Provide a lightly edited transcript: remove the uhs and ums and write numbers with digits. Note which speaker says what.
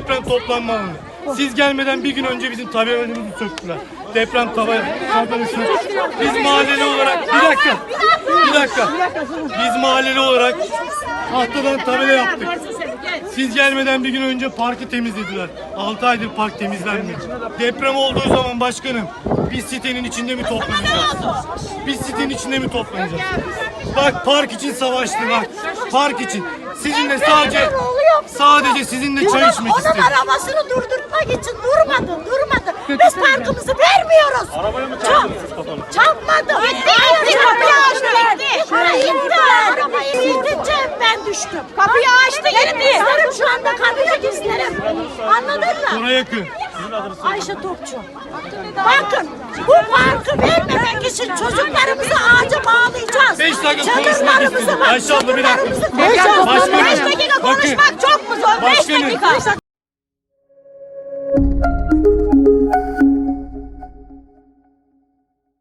Speaker 1: deprem toplanma alanı. Siz gelmeden bir gün önce bizim tabelamızı söktüler. Deprem tabelası. Biz mahalleli olarak bir dakika. Biz mahalleli olarak tahtadan tabela yaptık. Siz gelmeden bir gün önce parkı temizlediler. 6 aydır park temizlenmiyor. Deprem olduğu zaman başkanım, biz sitenin içinde mi toplanacağız? Biz sitenin içinde mi toplanacağız? Bak park için savaştı bak. Park için. Sizinle sadece sizinle çay içmek istedim.
Speaker 2: Onun arabasını durdurmak için durmadı. Biz parkımızı vermiyoruz.
Speaker 1: Arabaya mı
Speaker 2: Çarpmadı. Gitti. Kapıyı açtı. Arabayı itince ben düştüm.
Speaker 3: Kapıyı açtı gitti.
Speaker 2: Şu anda kapıya gizlerim. Anladın mı?
Speaker 1: Buna yakın.
Speaker 2: Ayşe Topçu. Bakın bu parkı vermemek için çocuklarımızı ağaca bağlayacağız.
Speaker 1: 5 dakika konuşmak istedim. Ayşe abla bir dakika.
Speaker 3: 5 dakika konuşmak çok mu zor? 5
Speaker 1: Başkanım.
Speaker 3: dakika.